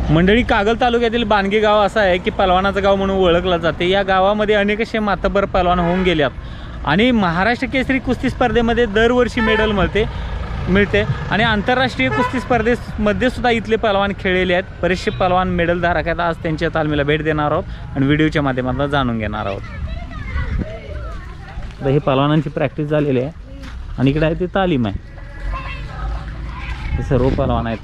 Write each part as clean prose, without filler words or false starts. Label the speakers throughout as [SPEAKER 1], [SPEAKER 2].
[SPEAKER 1] मंडळी, कागल तालुक्यातील बानगे गाव असं आहे की पलवानाचं गाव म्हणून ओळखलं जाते। या गावामध्ये अनेक असे मातबर पलवान होऊन गेल्यात आणि महाराष्ट्र केसरी कुस्ती स्पर्धेमध्ये दरवर्षी मेडल मिळते आणि आंतरराष्ट्रीय कुस्ती स्पर्धेमध्ये सुद्धा इथले पलवान खेळलेले आहेत। बरेचसे पलवान मेडल धारक आहेत। आज त्यांच्या तालमीला भेट देणार आहोत आणि व्हिडिओच्या माध्यमातून जाणून घेणार आहोत। तर हे पलवानांची प्रॅक्टिस झालेली आहे आणि इकडे आहे ते तालीम आहे। हे सर्व पलवान आहेत।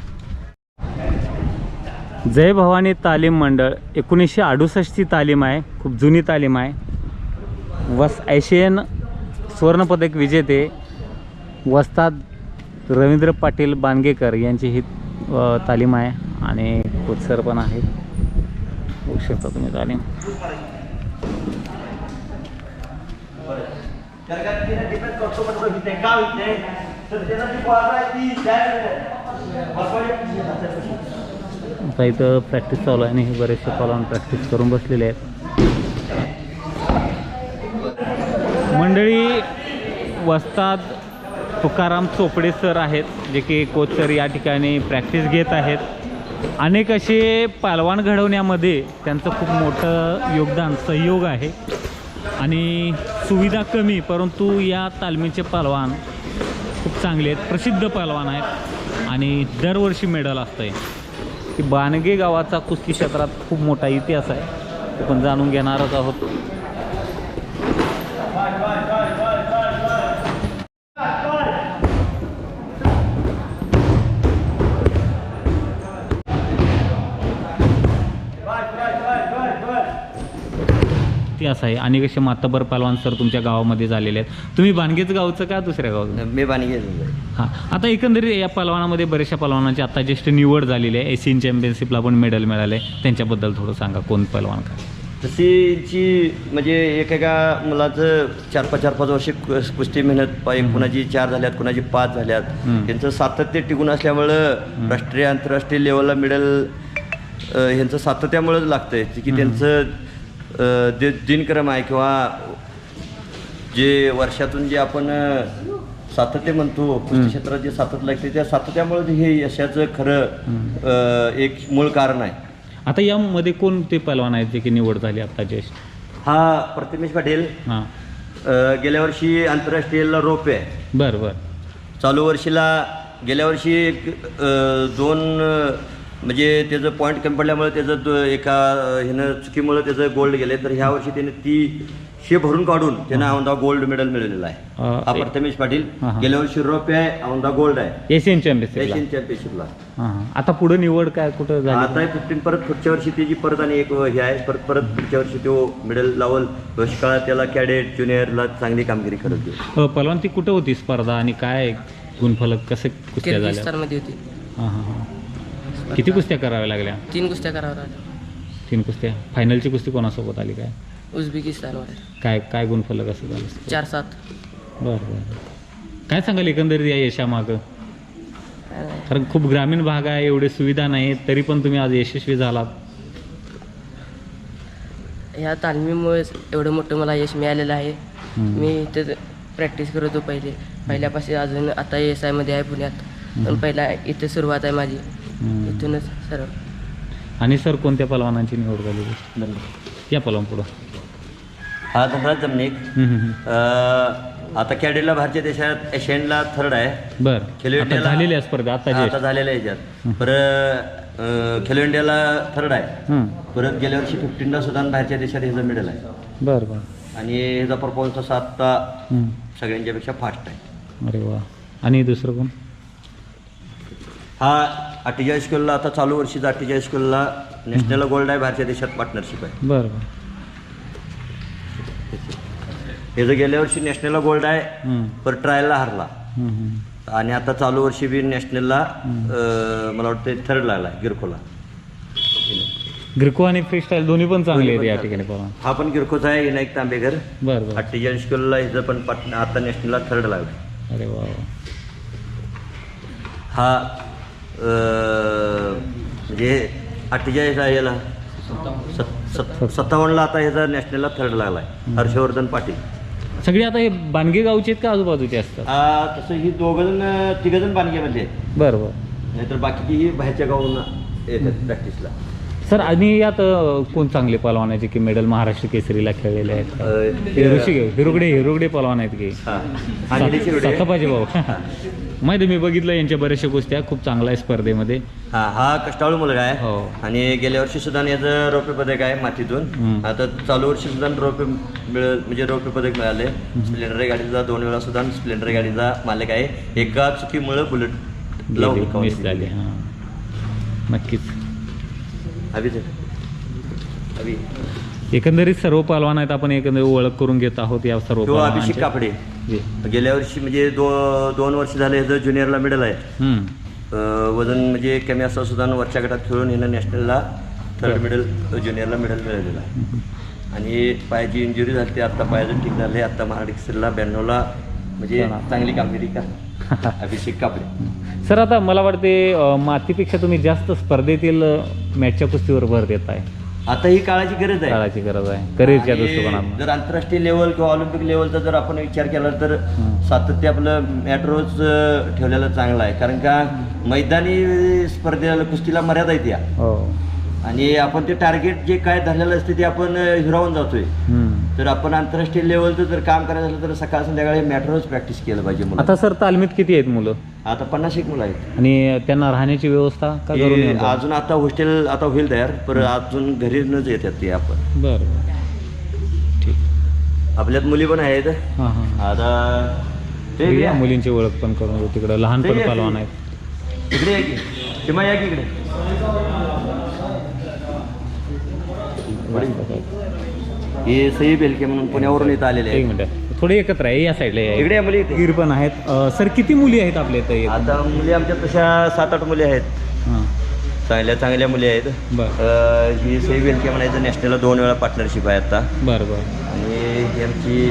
[SPEAKER 1] जय भवानी तालीम मंडळ 1968 ची तालीम आहे। खूप जुनी तालीम आहे। एशियन सुवर्णपदक विजेते वस्ताद रवींद्र पाटील बानगेकर यांची ही तालीम आहे आणि कोच सर पण आहेत। बघू शकता तुम्ही तालीम। आता इथं प्रॅक्टिस चालू आहे आणि हे बरेचसे पलवान प्रॅक्टिस करून बसलेले आहेत। मंडळी, वस्ताद तुकाराम चोपडे सर आहेत जे की कोच सर या ठिकाणी प्रॅक्टिस घेत आहेत। अनेक असे पलवान घडवण्यामध्ये त्यांचं खूप मोठं योगदान सहयोग आहे आणि सुविधा कमी परंतु या तालमीचे पलवान खूप चांगले आहेत, प्रसिद्ध पलवान आहेत आणि दरवर्षी मेडल असतंय। की बानगे गावाचा कुस्ती क्षेत्रात खूप मोठा इतिहास आहे, आपण जाणून घेणारच आहोत। इतिहास आहे आणि कसे मातबर पलवान सर तुमच्या गावामध्ये झालेले आहेत। तुम्ही बानगेच गावचं का दुसऱ्या गावचं?
[SPEAKER 2] मी बानगेच।
[SPEAKER 1] हां, आता एकंदरीत या पलवानामध्ये बऱ्याचशा पलवानांची आता ज्येष्ठ निवड झालेली आहे। एशियन चॅम्पियनशिपला पण मेडल मिळाले, त्यांच्याबद्दल थोडं सांगा। कोण पलवान का
[SPEAKER 2] तशीची म्हणजे एकेका मुलाचं 4-5 वर्षे कुस्ती मेहनत पाहिजे। कुणाची 4 झाल्यात, कुणाची 5 झाल्यात। त्यांचं सातत्य टिकून असल्यामुळं राष्ट्रीय आंतरराष्ट्रीय लेवलला मेडल ह्यांचं सातत्यामुळंच लागतंय की त्यांचं जे दिनक्रम आहे किंवा जे वर्षातून जे आपण सातत्य म्हणतो कुस्ती क्षेत्रात जे सातत्य लागते त्या सातत्यामुळे हे यशाचं खरं एक मूळ कारण आहे।
[SPEAKER 1] आता यामध्ये कोणते पलवान आहेत जे की निवड झाली आता ज्येष्ठ?
[SPEAKER 2] हा प्रतिमेश पाटील
[SPEAKER 1] हां,
[SPEAKER 2] गेल्या वर्षी आंतरराष्ट्रीयला रोप आहे।
[SPEAKER 1] बरं बरं।
[SPEAKER 2] चालू वर्षीला गेल्या वर्षी एक 2 म्हणजे त्याचं पॉईंट कमी पडल्यामुळे त्याचं एका ह्यानं चुकीमुळे त्याचं गोल्ड गेले, तर ह्या वर्षी त्याने ती शे भरून काढून त्यांना औंधा गोल्ड मेडल मिळालेला आहे। हा प्रथमेश पाटील गेल्या वर्षी रौप्य आहे, औंधा गोल्ड आहे
[SPEAKER 1] एशियन चॅम्पियनशिपला।
[SPEAKER 2] हां,
[SPEAKER 1] आता पुढे निवड काय कुठं झाली?
[SPEAKER 2] आता 15 परत पुढच्या वर्षी त्याची परत आणि एक हे आहे, परत पुढच्या वर्षी तो मेडल लावल। काळात त्याला कॅडेट ज्युनियरला चांगली कामगिरी करत होती।
[SPEAKER 1] पलवान ती कुठं होती स्पर्धा आणि काय गुणफलक कसे कुस्त्या झाल्या?
[SPEAKER 3] किर्गिस्तानमध्ये होती।
[SPEAKER 1] हां हां हां। किती कुस्त्या कराव्या लागल्या?
[SPEAKER 3] 3 कुस्त्या कराव्या लागल्या।
[SPEAKER 1] 3 कुस्त्या। फायनलची कुस्ती कोणासोबत आली काय?
[SPEAKER 3] उझबेकिस्तानवर।
[SPEAKER 1] काय गुणफलक असं झालं?
[SPEAKER 3] 4-7।
[SPEAKER 1] बरं बरं। काय सांगाल एकंदरीत या यशामागं? कारण खूप ग्रामीण भाग आहे, एवढे सुविधा नाही तरी पण तुम्ही आज यशस्वी झालात।
[SPEAKER 3] ह्या तालमीमुळेच एवढं मोठं मला यश मिळालेलं आहे। मी इथे प्रॅक्टिस करत होतो पहिल्यापासून अजून आता SI मध्ये आहे पुण्यात, पण पहिला इथे सुरुवात आहे माझी, इथूनच सर्व।
[SPEAKER 1] आणि सर कोणत्या पलवानांची निवड झाली? या पलवान पुढं
[SPEAKER 2] हा धनराज जमनिक आता कॅडेटला भारतीय देशात एशियनला 3rd आहे।
[SPEAKER 1] बरं,
[SPEAKER 2] खेलो इंडियाला
[SPEAKER 1] झालेल्या स्पर्धा आता
[SPEAKER 2] झालेल्या ह्याच्यात परत खेलो इंडियाला 3rd आहे। परत गेल्या वर्षी 15ला सुद्धा बाहेरच्या देशात ह्याचं मेडल आहे।
[SPEAKER 1] बरं बरं।
[SPEAKER 2] आणि ह्याचा परफॉर्मन्स असा आत्ता सगळ्यांच्यापेक्षा फास्ट आहे।
[SPEAKER 1] अरे वा। आणि दुसरं कोण?
[SPEAKER 2] हा 48 स्कूलला आता चालू वर्षीचा 48 स्कूलला नॅशनल गोल्ड आहे, बाहेरच्या देशात पार्टनरशिप आहे।
[SPEAKER 1] बरं बरं।
[SPEAKER 2] हे जर गेल्या वर्षी नॅशनलला गोल्ड आहे, पर ट्रायलला हरला आणि आता चालू वर्षी बी नॅशनलला मला वाटतं 3rd लागला आहे गिरकोला।
[SPEAKER 1] गिरको आणि फ्रीस्टाईल दोन्ही पण चांगले आहेत या ठिकाणी पलवान।
[SPEAKER 2] हा पण गिरकोचा आहे, विनायक तांबेकर।
[SPEAKER 1] बरं बरं।
[SPEAKER 2] 48 स्कूलला हिचं पण आता नॅशनलला 3rd लागला।
[SPEAKER 1] अरे वा।
[SPEAKER 2] हा म्हणजे 48 याला 57ला आता ह्याचा नॅशनलला 3rd लागला आहे, हर्षवर्धन पाटील।
[SPEAKER 1] सगळे आता हे बानगे गावचे आहेत का आजूबाजूचे असतात?
[SPEAKER 2] तसं ही 2-3 जण बानगेमध्ये आहेत,
[SPEAKER 1] बरं बरं.
[SPEAKER 2] नाहीतर बाकीची ही बाहेरच्या गावांना येतात प्रॅक्टिसला.
[SPEAKER 1] सर आणि यात कोण चांगले पलवान आहेत जे की मेडल महाराष्ट्र केसरीला खेळलेले आहेत? हिरुगडे पलवान आहेत की पाहिजे भाऊ. माहिती मी बघितलं यांच्या बऱ्याचशा गोष्टी खूप चांगला आहे स्पर्धेमध्ये.
[SPEAKER 2] हा कष्टाळू मुलगा आहे.
[SPEAKER 1] हो.
[SPEAKER 2] आणि गेल्या वर्षी सुद्धा याचं रौप्य पदक आहे मातीतून. आता चालू वर्षी सुद्धा रौप्य पदक मिळाले. स्प्लेंडर गाडीचा 2 वेळा सुद्धा स्प्लेंडर गाडीचा मालक आहे. एका चुकीमुळे बुलेट
[SPEAKER 1] मिस झाली. हां नक्कीच. एकंदरीत सर्व पहलवान आहेत, आपण एकंदरीत ओळख करून घेत आहोत या सर्व.
[SPEAKER 2] अभिषेक कापडे गेल्या वर्षी म्हणजे 2 वर्ष झाले ह्याचं ज्युनियरला मेडल आहे. वजन म्हणजे कमी असं सुद्धा वरच्या गटात खेळून ह्यानं नॅशनलला 3rd मेडल ज्युनियरला मेडल मिळालेलं आहे. आणि पायाची इंजुरी झाली ते आत्ता पायाचं ठीक झाले. आत्ता महाराष्ट्रला 92ला म्हणजे चांगली कामगिरी का अभिषेक कापडे.
[SPEAKER 1] सर आता मला वाटते मातीपेक्षा तुम्ही जास्त स्पर्धेतील मॅचच्या कुस्तीवर भर देत आहे.
[SPEAKER 2] आता ही काळाची गरज आहे.
[SPEAKER 1] काळाची गरज आहे करिअरच्या दृष्टिकोनातून.
[SPEAKER 2] जर आंतरराष्ट्रीय लेवल किंवा ऑलिम्पिक लेवलचा जर आपण विचार केला तर सातत्य आपलं मॅट्रोज ठेवलेलं चांगलं आहे. कारण का मैदानी स्पर्धेला कुस्तीला मर्यादा येते. आणि आपण ते टार्गेट जे काय धरलेलं असते ते आपण हिरावून जातोय. तर आपण आंतरराष्ट्रीय लेवलचं जर काम करायचं झालं तर सकाळ संध्याकाळी मॅट्रोज प्रॅक्टिस केलं पाहिजे.
[SPEAKER 1] आता सर तालमीत किती आहेत मुलं?
[SPEAKER 2] आता 50 मुलं आहेत.
[SPEAKER 1] आणि त्यांना राहण्याची व्यवस्था का करून?
[SPEAKER 2] अजून आता हॉस्टेल आता होईल तयार, पण अजून घरीच येतात ते आपण.
[SPEAKER 1] बरं ठीक.
[SPEAKER 2] आपल्यात मुली पण आहेत. आता ते
[SPEAKER 1] मुलींची ओळख पण करून घेऊ. तिकडे लहानपण पहलवान आहेत.
[SPEAKER 2] इकडे या की किंवा या की इकडे. हे सई बेलके म्हणून पुण्यावरून इथं आलेले आहे.
[SPEAKER 1] 1 मिनिट थोडे एकत्र आहे या साईडला.
[SPEAKER 2] इकडे या मुली
[SPEAKER 1] गिर पण आहेत. सर किती मुली आहेत आपल्या इथं?
[SPEAKER 2] आता मुली आमच्या तशा 7-8 मुली आहेत. चांगल्या मुली आहेत.
[SPEAKER 1] बरं.
[SPEAKER 2] ही सई बेलके म्हणायचं नॅशनलला 2 वेळा पार्टनरशिप आहे आता.
[SPEAKER 1] बरं बरं.
[SPEAKER 2] आणि ही आमची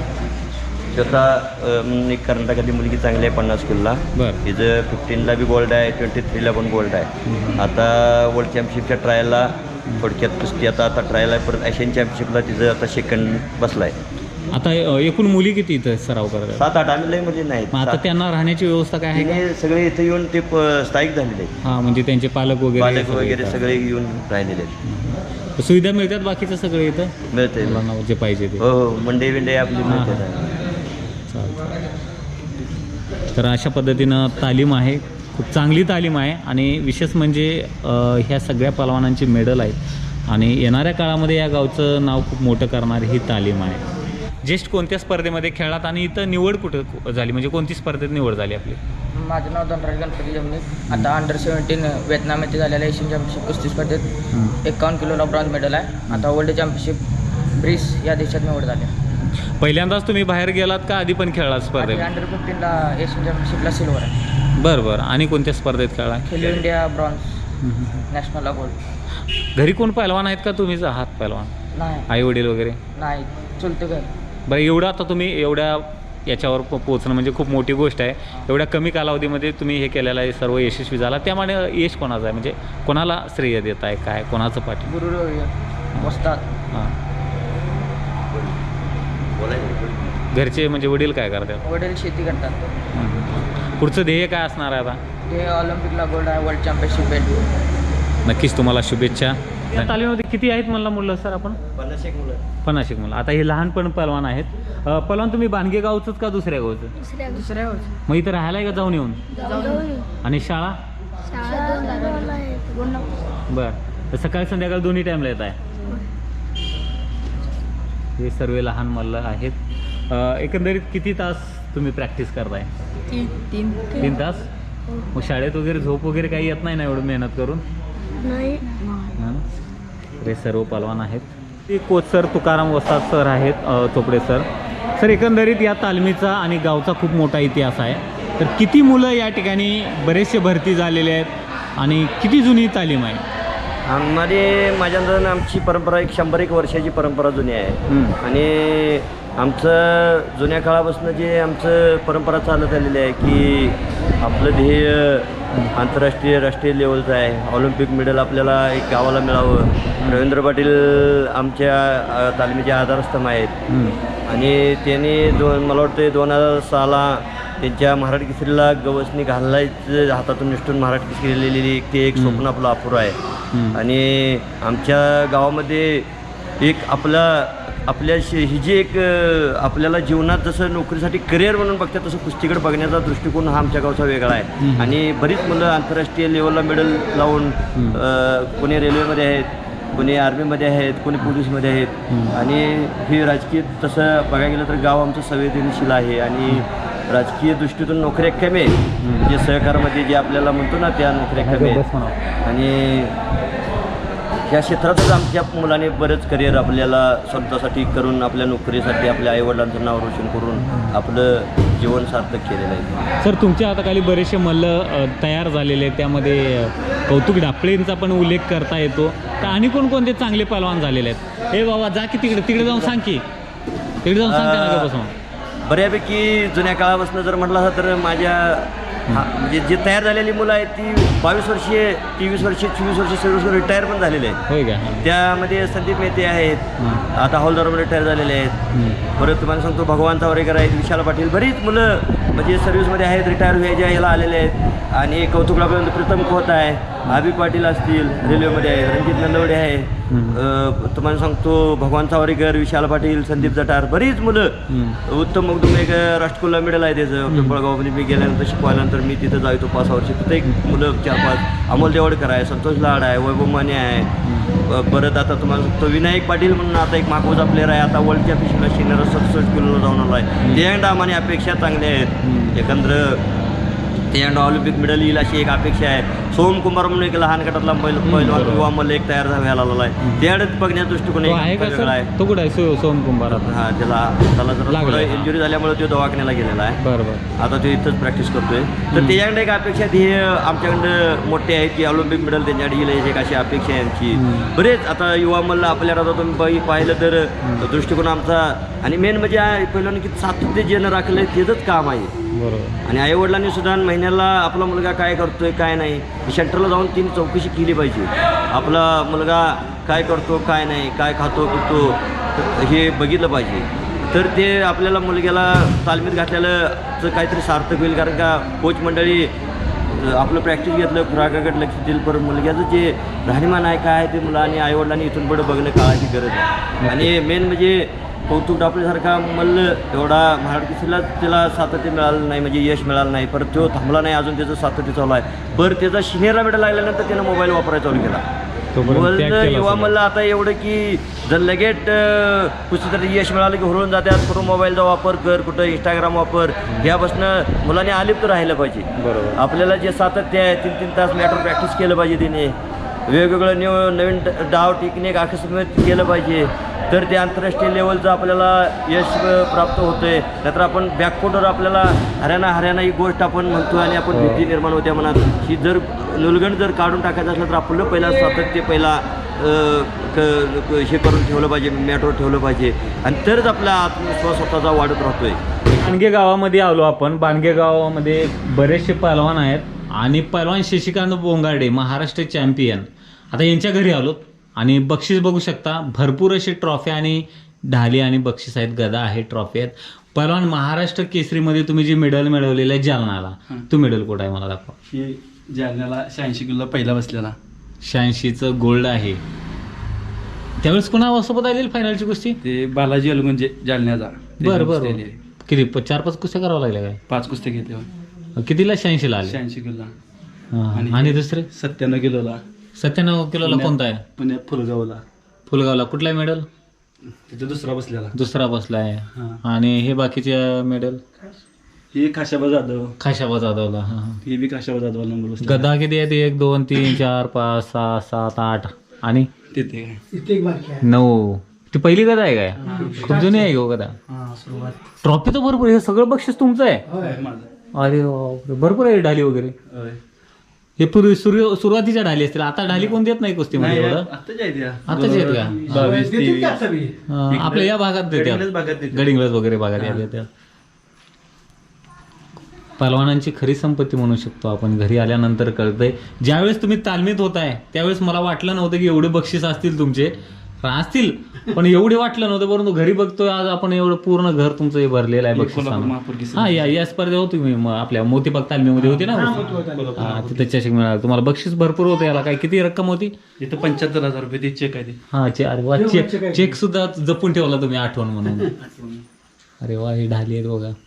[SPEAKER 2] स्वतः एक कर्नाटकातली मुलगी चांगली आहे 50 किलोला.
[SPEAKER 1] बरं.
[SPEAKER 2] हिचं 15ला बी गोल्ड आहे, 23ला पण गोल्ड आहे. आता वर्ल्ड चॅम्पियनशिपच्या ट्रायलला थोडक्यात कुस्ती आता ट्रायल आहे. परत एशियन चॅम्पियनशिपला तिचं आता 2nd बसला आहे.
[SPEAKER 1] आता एकूण मुली किती इथं सराव करतात?
[SPEAKER 2] 7-8 आम्ही लई मुली नाहीत.
[SPEAKER 1] आता त्यांना राहण्याची व्यवस्था काय आहे?
[SPEAKER 2] सगळे इथे येऊन ते स्थायिक झालेले आहेत.
[SPEAKER 1] हां म्हणजे त्यांचे पालक
[SPEAKER 2] वगैरे सगळे येऊन राहिलेले आहेत.
[SPEAKER 1] सुविधा मिळतात बाकीचं सगळं इथं
[SPEAKER 2] मिळते
[SPEAKER 1] जे पाहिजे ते.
[SPEAKER 2] हो मंडे विंडे आपली मिळते.
[SPEAKER 1] तर अशा पद्धतीनं तालीम आहे, खूप चांगली तालीम आहे. आणि विशेष म्हणजे ह्या सगळ्या पहलवानांची मेडल आहेत आणि येणाऱ्या काळामध्ये या गावचं नाव खूप मोठं करणारी ही तालीम आहे. ज्येष्ठ कोणत्या स्पर्धेमध्ये खेळात आणि इथं निवड कुठं झाली, म्हणजे कोणती स्पर्धेत निवड झाली आपली?
[SPEAKER 3] माझं नाव धनराज गणपती जमनीक. आता अंडर-17 व्हिएतनाम येथे झालेल्या एशियन चॅम्पियनशिप कुस्ती स्पर्धेत 51 किलोला ब्रॉन्झ मेडल आहे. आता वर्ल्ड चॅम्पियनशिप ब्रिस या देशात निवड झाली.
[SPEAKER 1] पहिल्यांदाच तुम्ही बाहेर गेलात का आधी पण खेळलात स्पर्धेत?
[SPEAKER 3] अंडर-15ला एशियन चॅम्पियनशिपला सिल्वर आहे.
[SPEAKER 1] बरं बरं. आणि कोणत्या स्पर्धेत खेळला?
[SPEAKER 3] खेलो इंडिया ब्रॉन्झ, नॅशनलला गोल्ड.
[SPEAKER 1] घरी कोण पहलवान आहेत का तुम्हीच आहात पहलवान?
[SPEAKER 3] नाही.
[SPEAKER 1] आई वडील वगैरे?
[SPEAKER 3] नाही, चुलते घर.
[SPEAKER 1] बरं एवढं आता तुम्ही एवढ्या याच्यावर पोहोचणं म्हणजे खूप मोठी गोष्ट आहे. एवढ्या कमी कालावधीमध्ये तुम्ही हे केलेलं आहे, सर्व यशस्वी झाला. त्यामुळे यश कोणाचं आहे, म्हणजे कोणाला श्रेय देत आहे, काय कोणाचं पाठी?
[SPEAKER 3] गुरु वस्ताद.
[SPEAKER 1] हां. घरचे म्हणजे वडील काय करतात?
[SPEAKER 3] वडील शेती करतात.
[SPEAKER 1] पुढचं ध्येय काय असणार आहे आता?
[SPEAKER 3] ते ऑलिम्पिकला गोल्ड आहे, वर्ल्ड चॅम्पियनशिप बेल्ट.
[SPEAKER 1] नक्कीच तुम्हाला शुभेच्छा. या तालीमध्ये किती आहेत म्हणला मुलं सर आपण? 50 मुलं. आता हे लहानपण पहलवान आहेत. पहलवान तुम्ही बांधगे गावचंच का दुसऱ्या गावचं?
[SPEAKER 3] दुसऱ्या
[SPEAKER 1] मग इथं राहायला आहे का जाऊन येऊन? आणि शाळा? बरं. तर सकाळी संध्याकाळी दोन्ही टाईमला येत आहे. हे सर्व लहान मुलं आहेत. एकंदरीत किती तास तुम्ही प्रॅक्टिस करताय? 3 तास. मग शाळेत वगैरे झोप वगैरे काही येत नाही ना एवढं मेहनत करून? नाही. हे सर्व पहलवान आहेत. ते कोच सर तुकाराम वस्ताद सर आहेत, चोपडे सर. सर एकंदरीत या तालमीचा आणि गावचा खूप मोठा इतिहास आहे. तर किती मुलं या ठिकाणी बरेचसे भरती झालेले आहेत आणि किती जुनी तालीम आहे?
[SPEAKER 2] माझ्या अंदाजानं आमची परंपरा 100 वर्षाची परंपरा जुनी आहे. आणि आमचं जुन्या काळापासून जे आमचं परंपरा चालत आलेली आहे की आपलं ध्येय आंतरराष्ट्रीय राष्ट्रीय लेवलचं आहे. ऑलिम्पिक मेडल आपल्याला एक गावाला मिळावं. रवींद्र पाटील आमच्या तालमीचे आधारस्तंभ आहेत. आणि त्यांनी मला वाटतं 2006ला त्यांच्या महाराज केसरीला गवसणी घालायचं हातातून निष्ठून महाराज केसरी लिहिलेली ते एक स्वप्न आपलं अपुरं आहे. आणि आमच्या गावामध्ये एक आपल्या ही जी एक आपल्याला जीवनात जसं नोकरीसाठी करिअर म्हणून बघतात तसं कुस्तीकडे बघण्याचा दृष्टिकोन हा आमच्या गावचा वेगळा आहे. आणि बरीच मुलं आंतरराष्ट्रीय लेवलला मेडल लावून कोणी रेल्वेमध्ये आहेत, कोणी आर्मीमध्ये आहेत, कोणी पोलीसमध्ये आहेत. आणि ही राजकीय तसं बघायला गेलं तर गाव आमचं संवेदनशील आहे आणि राजकीय दृष्टीतून नोकऱ्या कमी आहेत. म्हणजे सहकारामध्ये जे आपल्याला म्हणतो ना त्या नोकऱ्या कमी आहेत. आणि या क्षेत्रातच आमच्या मुलाने बरेच करिअर आपल्याला स्वतःसाठी करून आपल्या नोकरीसाठी आपल्या आईवडिलांचं नाव रोशन करून आपलं जीवन सार्थक केलेलं आहे.
[SPEAKER 1] सर तुमच्या हाताखाली बरेचसे मल्ल तयार झालेले आहेत, त्यामध्ये कौतुक ढापळेंचा पण उल्लेख करता येतो. तर आणि कोणकोणते चांगले पहलवान झालेले आहेत? हे बाबा जा की तिकडे जाऊन सांग की, तिकडे जाऊन सांग.
[SPEAKER 2] बऱ्यापैकी जुन्या काळापासून जर म्हटलं असं तर माझ्या म्हणजे जे तयार झालेली मुलं आहेत ती 22 वर्षीय, 23 वर्षीय, 24 वर्षीय, 26 वर्षीय रिटायर पण झालेले आहेत.
[SPEAKER 1] होय का?
[SPEAKER 2] त्यामध्ये संदीप मेहते आहेत, आता हौलदारमध्ये रिटायर झालेले आहेत. परत तुम्हाला सांगतो भगवान चावरेकर आहेत, विशाल पाटील, बरीच मुलं म्हणजे सर्व्हिसमध्ये आहेत, रिटायर व्हायच्या ह्याला आलेले आहेत. आणि कौतुक आपल्याला प्रीतम खोत आहे, आबी पाटील असतील रेल्वेमध्ये आहेत, रणजित नंदवडे आहे, तुम्हाला सांगतो भगवान चावरेकर, विशाल पाटील, संदीप जटार, बरीच मुलं. उत्तम मगदूम एक राष्ट्रकुलला मिळेल आहे त्याचं पिंपळगावमध्ये मी गेल्यानंतर शिकवायनंतर मी तिथं जायचो 5 वर्ष. तिथं एक मुलं 4-5 अमोल देवडकर आहे, संतोष लाड आहे, वैभव माने आहे. परत आता तुम्हाला सांगतो विनायक पाटील म्हणून आता एक मागवजा प्लेअर आहे, आता वर्ल्डच्या पिशवीला शिकणारा 67 किलोला जाऊन आला आहे. ते आम्हाला अपेक्षा चांगल्या आहेत. एकंदर ते ऑलिम्पिक मेडल येईल अशी एक अपेक्षा आहे. सोम कुमार म्हणून एक लहान गटातला पहिलवान युवा मल्ल एक तयार व्हायला आलेला आहे. त्याकडे बघण्याचा दृष्टिकोन वेगळा आहे.
[SPEAKER 1] तो कुठे आहे सोम कुंभार?
[SPEAKER 2] हा त्याला जरा इंजुरी झाल्यामुळे तो दवाखान्याला गेलेला आहे.
[SPEAKER 1] बरोबर.
[SPEAKER 2] आता तो इथंच प्रॅक्टिस करतोय. तर त्याच्याकडे एक अपेक्षा ती आमच्याकडं मोठे आहेत की ऑलिम्पिक मेडल त्यांच्याकडे येईल एक अशी अपेक्षा आहे आमची. बरेच आता युवा मल्ल आपल्याला आता तुम्ही पाहिलं तर दृष्टिकोन आमचा. आणि मेन म्हणजे पहिल्यानं की सातत्य जे राखलं आहे त्याचंच काम आहे.
[SPEAKER 1] बरोबर.
[SPEAKER 2] आणि आईवडिलांनी सुद्धा महिन्याला आपला मुलगा काय करतोय काय नाही सेंटरला जाऊन तिने चौकशी केली पाहिजे. आपला मुलगा काय करतो काय नाही, काय खातो पितो हे बघितलं पाहिजे. तर ते आपल्याला मुलग्याला तालमीत घातलेलं काहीतरी सार्थक होईल. कारण का कोच मंडळी आपलं प्रॅक्टिस घेतलं खुराकाकडे लक्ष देईल, पण मुलग्याचं जे राहणीमान आहे काय ते मुलांनी आईवडिलांनी इथून पुढे बघणं काळाची गरज आहे. आणि मेन म्हणजे कौतुक ढापळेसारखा मल्ल एवढा महाराज केसरीला त्याला सातत्य मिळालं नाही, म्हणजे यश मिळालं नाही. परत तो थांबला नाही, अजून त्याचं सातत्य चालू आहे. बरं त्याचा शिनेरा मेडल लागल्यानंतर त्यानं मोबाईल वापरायला चालू केला. युवा मल्ल आता एवढं की जर लगेच कुठेतरी यश मिळालं की हुरळून जातात, कुठं मोबाईलचा वापर कर, कुठं इंस्टाग्राम वापर, ह्यापासून मुलांनी आलिप्त राहिलं पाहिजे. बरोबर. आपल्याला जे सातत्य आहे 3-3 तास मॅटर प्रॅक्टिस केलं पाहिजे. तिने वेगवेगळं नवीन डाव टेक्निक आकस्मित केलं पाहिजे. तर ते आंतरराष्ट्रीय लेवलचं आपल्याला यश प्राप्त होतं आहे. नंतर आपण बॅकफुटवर आपल्याला हरियाणा ही गोष्ट आपण म्हणतो आणि आपण भीती निर्माण होत्या मनात. ही जर नुलगंड जर काढून टाकायचं असलं तर आपलं पहिला सातत्य पहिला हे करून ठेवलं पाहिजे, मॅटवर ठेवलं पाहिजे. आणि तरच आपला आत्मविश्वास स्वतःचा वाढत राहतोय.
[SPEAKER 1] बाणगे गावामध्ये आलो आपण. बाणगे गावामध्ये बरेचसे पहलवान आहेत आणि पहलवान शशिकांत बोंगाडे महाराष्ट्र चॅम्पियन. आता यांच्या घरी आलो आणि बक्षीस बघू शकता. भरपूर असे ट्रॉफी आणि ढाली आणि बक्षीस आहेत, गदा आहे, ट्रॉफी आहेत. पहलवान महाराष्ट्र केसरीमध्ये तुम्ही जे मेडल मिळवलेलं आहे जालनाला, तो मेडल कुठं आहे मला दाखवा.
[SPEAKER 4] ही जालन्याला 86 किलोला पहिला बसलेला.
[SPEAKER 1] 86चं गोल्ड आहे. त्यावेळेस कोणासोबत आलेली फायनलची कुस्ती?
[SPEAKER 4] ते बालाजी अलगुंजे जालन्याचा.
[SPEAKER 1] बरं. किती 4-5 कुस्त्या करावं लागल्या काय?
[SPEAKER 4] 5 कुस्त्या घेतल्या.
[SPEAKER 1] कितीला? 86ला आले.
[SPEAKER 4] 86 किलोला.
[SPEAKER 1] आणि दुसरे
[SPEAKER 4] 97 किलोला.
[SPEAKER 1] 97 किलोला कोणता आहे?
[SPEAKER 4] पुण्यात
[SPEAKER 1] फुलगावला. कुठला आहे मेडल?
[SPEAKER 4] तिथे दुसरा बसलेला.
[SPEAKER 1] दुसरा बसला आहे. आणि हे बाकीचे मेडल?
[SPEAKER 4] ही खाशाबा जाधवला. ही बी खाशाबा जाधव नंबर बसला.
[SPEAKER 1] गदा किती आहेत? 1 2 3 4 5 6 7 8 आणि
[SPEAKER 4] तिथे
[SPEAKER 1] 9. ती पहिली गदा आहे काय? खूप जुनी आहे गो गदा. ट्रॉफी तर भरपूर. हे सगळं बक्षीस तुमचं आहे? अरे भरपूर आहे. ढाली वगैरे हे पूर्वी सुरुवातीच्या ढाली असतील. आता ढाली कोण देत नाही कुस्तीमध्ये एवढं? आताच आहेत का?
[SPEAKER 4] 22 23
[SPEAKER 1] आपल्या या भागात देतात, गडिंग्लज वगैरे भागात येतात. पहलवानांची खरी संपत्ती म्हणू शकतो आपण. घरी आल्यानंतर कळतंय. ज्यावेळेस तुम्ही तालमीत होताय त्यावेळेस मला वाटलं नव्हतं की एवढे बक्षीस असतील तुमचे. असतील पण एवढे वाटलं नव्हतं, परंतु घरी बघतोय आज आपण एवढं पूर्ण घर तुमचं हे भरलेलं आहे बक्षीस. हा या स्पर्धेत होती मी आपल्या मोतीबाग तालमीमध्ये होती ना. हा तिथे चषक मिळाला तुम्हाला, बक्षीस भरपूर होतं. याला काय किती रक्कम होती?
[SPEAKER 4] इथं 75,000 रुपये ते चेक आहे ते.
[SPEAKER 1] हा अरे वा, चेक सुद्धा जपून ठेवला तुम्ही आठवण म्हणून. अरे वा, हे ढाली आहेत बघा.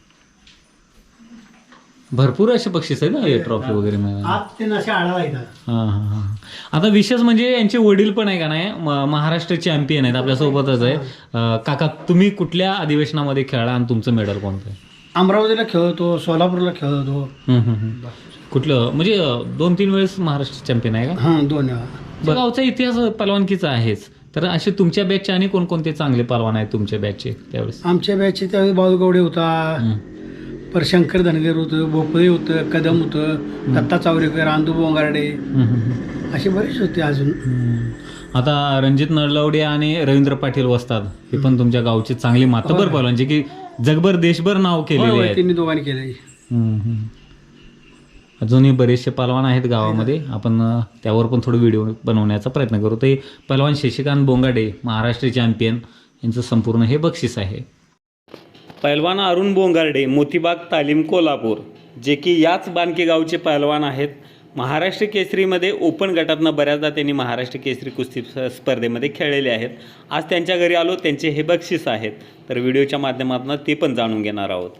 [SPEAKER 1] भरपूर असे बक्षीस आहे ना, हे ट्रॉफी वगैरे मिळाला. हा. आता विशेष म्हणजे यांचे वडील पण आहे का नाही महाराष्ट्र चॅम्पियन आहेत आपल्यासोबतच आहे. काका तुम्ही कुठल्या अधिवेशनामध्ये खेळला आणि तुमचं मेडल कोणतं आहे?
[SPEAKER 5] अमरावतीला खेळतो, सोलापूरला खेळतो.
[SPEAKER 1] कुठलं म्हणजे 2-3 वेळेस महाराष्ट्र चॅम्पियन आहे का?
[SPEAKER 5] हां 2 वेळा.
[SPEAKER 1] गावचा इतिहास पलवानकीचा आहेच, तर असे तुमच्या बॅचचे आणि कोणकोणते चांगले पलवान आहेत तुमच्या बॅचचे त्यावेळेस?
[SPEAKER 5] आमच्या बॅचचे त्यावेळेस बाळूगवडे होता, पर शंकर धनगर होतं, भोपळे होतं, कदम होतं, दत्ता चावरेकर, आंदू बोंगारडे, असे बरेच होते अजून.
[SPEAKER 1] आता रणजित नळलवडे आणि रवींद्र पाटील वस्ताद हे पण तुमच्या गावचे चांगले मातबर पलवान जे की जगभर देशभर नाव केलेले आहेत.
[SPEAKER 5] त्यांनी दोघांनी केलं.
[SPEAKER 1] अजूनही बरेचसे पलवान आहेत गावामध्ये, आपण त्यावर पण थोडं व्हिडिओ बनवण्याचा प्रयत्न करू. ते पलवान शशिकांत बोंगाडे महाराष्ट्र चॅम्पियन यांचं संपूर्ण हे बक्षीस आहे. पैलवान अरुण बोंगारडे मोतीबाग तालीम कोल्हापूर जे की याच बानके गावचे पैलवान आहेत. महाराष्ट्र केसरीमध्ये ओपन गटातनं बऱ्याचदा त्यांनी महाराष्ट्र केसरी कुस्ती स्पर्धेमध्ये खेळलेले आहेत. आज त्यांच्या घरी आलो, त्यांचे हे बक्षीस आहेत, तर व्हिडिओच्या माध्यमातून ते पण जाणून घेणार आहोत.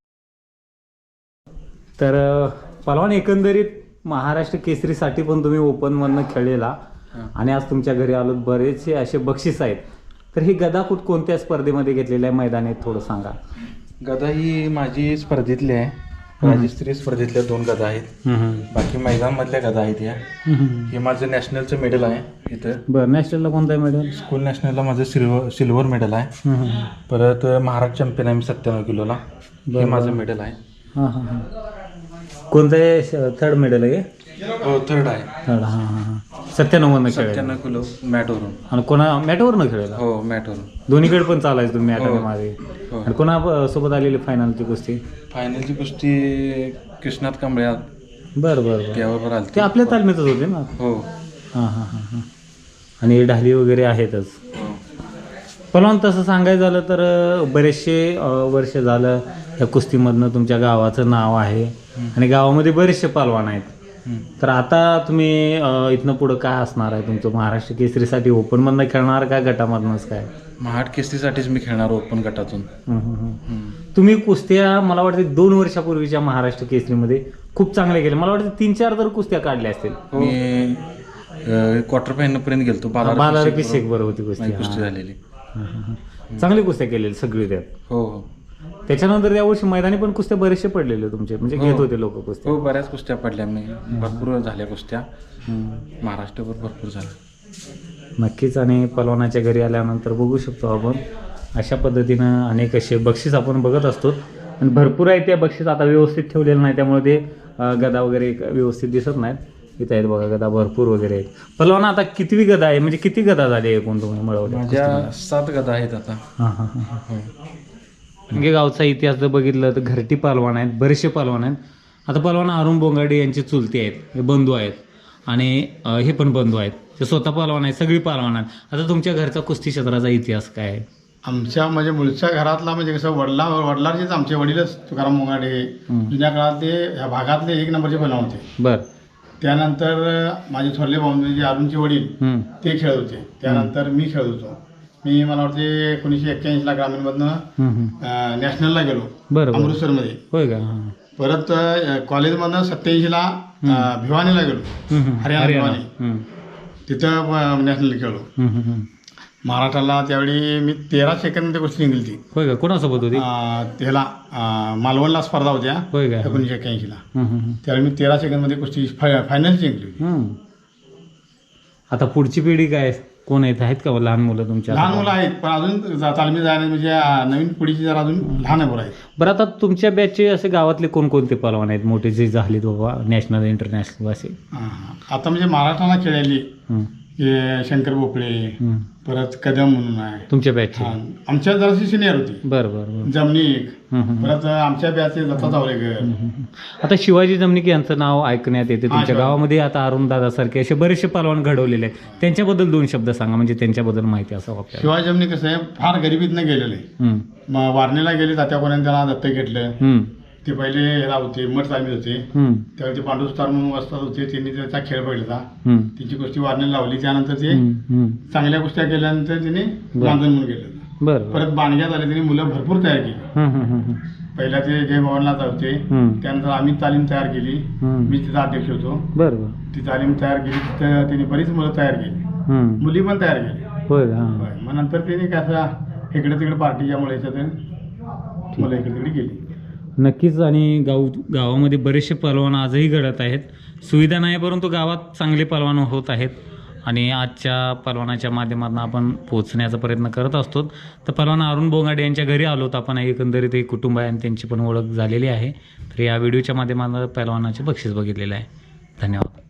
[SPEAKER 1] तर पलवान एकंदरीत महाराष्ट्र केसरीसाठी पण तुम्ही ओपनमधनं खेळलेला आणि आज तुमच्या घरी आलो, बरेचसे असे बक्षीस आहेत. तर ही गदा कोणत्या स्पर्धेमध्ये घेतलेल्या आहे मैदानात थोडं सांगा.
[SPEAKER 6] गदा ही माझी स्पर्धेतली आहे, राज्यस्तरीय स्पर्धेतल्या 2 गदा आहेत. बाकी मैदानमधल्या गदा आहेत या. हे माझं नॅशनलचं मेडल आहे इथं.
[SPEAKER 1] बरं, नॅशनलला कोणतं आहे मेडल?
[SPEAKER 6] स्कूल नॅशनलला माझं सिल्वर मेडल आहे. परत महाराष्ट्र चॅम्पियन आहे मी 97 किलोला, हे माझं मेडल आहे.
[SPEAKER 1] कोणतं आहे? थर्ड मेडल आहे?
[SPEAKER 6] हो थर्ड आहे.
[SPEAKER 1] थर्ड. 97 खेळ.
[SPEAKER 6] 97 किलो मॅटवरून.
[SPEAKER 1] आणि कोणा मॅटवरनं खेळायला?
[SPEAKER 6] हो मॅटवरून.
[SPEAKER 1] दोन्हीकडे पण चालायचं तुम्ही मॅटमध्ये. आणि कोणा सोबत आलेली फायनलची कुस्ती?
[SPEAKER 6] फायनलची कुस्ती कृष्णात कांबळे.
[SPEAKER 1] बरं
[SPEAKER 6] त्यावर आली.
[SPEAKER 1] ते आपल्या तालमीतच होते ना?
[SPEAKER 6] हो.
[SPEAKER 1] हां. आणि ढाली वगैरे आहेतच. पण तसं सांगायचं झालं तर बरेचसे वर्ष झालं या कुस्तीमधनं तुमच्या गावाचं नाव आहे आणि गावामध्ये बरेचसे पलवान आहेत. तर आता तुम्ही इथनं पुढं काय असणार आहे तुमचं? महाराष्ट्र केसरीसाठी ओपनमधनं खेळणार का गटामधनंच काय?
[SPEAKER 6] महाराष्ट्र केसरीसाठीच मी खेळणार ओपन गटातून.
[SPEAKER 1] तुम्ही कुस्त्या मला वाटतं 2 वर्षापूर्वीच्या महाराष्ट्र केसरीमध्ये खूप चांगले केले. मला वाटतं 3-4 तर कुस्त्या काढल्या असतील.
[SPEAKER 6] मी क्वार्टर फायनल पर्यंत गेलतो.
[SPEAKER 1] बालारपी बरोबर होती
[SPEAKER 6] कुस्ती झालेली.
[SPEAKER 1] चांगली कुस्त्या केलेली सगळी त्यात.
[SPEAKER 6] हो.
[SPEAKER 1] त्याच्यानंतर या वर्षी मैदानी पण कुस्त्या बरेचसे पडलेले तुमचे, म्हणजे घेत होते लोक कुस्त्या?
[SPEAKER 6] हो बऱ्याच कुस्त्या पडल्या मी, भरपूर झाल्या कुस्त्या महाराष्ट्रभर भरपूर झाल्या.
[SPEAKER 1] नक्कीच. आणि पलवानाच्या घरी आल्यानंतर बघू शकतो आपण अशा पद्धतीनं अनेक असे बक्षीस आपण बघत असतो आणि भरपूर आहे त्या बक्षीस आता व्यवस्थित ठेवलेलं नाही त्यामुळे ते गदा वगैरे व्यवस्थित दिसत नाहीत. इथं आहेत बघा गदा भरपूर वगैरे आहेत. पलवान आता कितवी गदा आहे, म्हणजे किती गदा झाली एकूण तुम्ही मिळवल्या?
[SPEAKER 6] माझ्या 7 गदा आहेत आता.
[SPEAKER 1] म्हणजे गावचा इतिहास जर बघितलं तर घरटी पलवान आहेत, बरेचसे पलवान आहेत. आता पलवान अरुण बोंगाडे यांचे चुलते आहेत, हे बंधू आहेत आणि हे पण बंधू आहेत, ते स्वतः पलवान आहेत, सगळी पलवान आहेत. आता तुमच्या घरचा कुस्ती क्षेत्राचा इतिहास काय आहे?
[SPEAKER 5] आमच्या म्हणजे मूळच्या घरातला म्हणजे कसं वडिलांचेच आमचे वडीलच तुकाराम बोंगाडे जुन्या काळातले ह्या भागातले 1 नंबरचे पलवान होते.
[SPEAKER 1] बरं.
[SPEAKER 5] त्यानंतर माझे थोरले भाऊ म्हणजे अरुणचे वडील ते खेळत होते. त्यानंतर मी खेळत होतो. मी मला वाटते 1981ला ग्रामीणमधनं नॅशनलला गेलो.
[SPEAKER 1] बरं.
[SPEAKER 5] अमृतसरमध्ये.
[SPEAKER 1] होय का?
[SPEAKER 5] परत कॉलेजमधनं 87ला भिवानीला गेलो, हरियाणा भिवानी, तिथं नॅशनल खेळलो. महाराष्ट्राला त्यावेळी मी 13 सेकंदमध्ये कुस्ती जिंकली ती.
[SPEAKER 1] होय का? कोणासोबत होती?
[SPEAKER 5] त्याला मालवणला स्पर्धा होत्या.
[SPEAKER 1] होय का?
[SPEAKER 5] 1981ला. त्यावेळी मी 13 सेकंदमध्ये कुस्ती फायनल जिंकली.
[SPEAKER 1] आता पुढची पिढी काय कोण आहेत का लहान मुलं तुमच्या?
[SPEAKER 5] लहान मुलं आहेत पण अजून तालमी जायला म्हणजे नवीन पिढीची जरा अजून लहान मुलं आहेत.
[SPEAKER 1] बरं, आता तुमच्या बॅचचे असे गावातले कोणकोणते पलवान आहेत मोठे जे झालेत बाबा नॅशनल इंटरनॅशनल असे?
[SPEAKER 5] आता म्हणजे महाराष्ट्राला खेळायली शंकर भोपळे, परत कदम म्हणून आहे.
[SPEAKER 1] तुमच्या बॅचची?
[SPEAKER 5] हा, आमच्या जराशी सिनियर होती.
[SPEAKER 1] बरं बरं बरं.
[SPEAKER 5] जमनिक. परत आमच्या बॅचचे दत्ता चावलेकर.
[SPEAKER 1] आता शिवाजी जमनिक यांचं नाव ऐकण्यात येते तुमच्या गावामध्ये. आता अरुण दादासारखे असे बरेचसे पहलवान घडवलेले आहेत, त्यांच्याबद्दल 2 शब्द सांगा, म्हणजे त्यांच्याबद्दल माहिती असावं आपल्याला.
[SPEAKER 5] शिवाजी जमनिक कसं आहे, फार गरिबीतनं गेलेले. वारणेला गेले तात्यापर्यंत त्यांना दत्तक घेतलं. ते पहिले ह्याला होते, मठ तालमीत होते. त्यावेळी ते पांडुस्तार म्हणून वस्ताद होते, त्यांनी त्याचा खेळ पडला. त्यांची कुस्ती वारणेला लावली. त्यानंतर ते चांगल्या कुस्त्या केल्यानंतर त्यांनी बांधून म्हणून गेलं. परत बाणग्यात आले, त्यांनी मुलं भरपूर तयार केली. पहिला ते जय भवनला होते, त्यानंतर आम्ही तालीम तयार केली. मी तिचा अध्यक्ष होतो.
[SPEAKER 1] बरोबर.
[SPEAKER 5] ती तालीम तयार केली, तिथं त्यांनी बरीच मुलं तयार केली, मुली पण तयार केली.
[SPEAKER 1] होय.
[SPEAKER 5] मग नंतर त्यांनी कसं इकडे तिकडे पार्टीच्यामुळे ह्याच्यात मुलं इकडे तिकडे गेली.
[SPEAKER 1] नक्कीच. आणि गावामध्ये बरेचसे पहलवान आजही घडत आहेत. सुविधा नाही, परंतु गावात चांगले पहलवान होत आहेत. आणि आजच्या पहलवानाच्या माध्यमातून आपण पोहोचण्याचा प्रयत्न करत असतो. तर पहलवान अरुण बोंगाडे यांच्या घरी आलोत आपण. एकंदरीत एक कुटुंब आहे आणि त्यांची पण ओळख झालेली आहे. तर या व्हिडिओच्या माध्यमातून पहलवानाचे बक्षीस बघितलेलं आहे. धन्यवाद.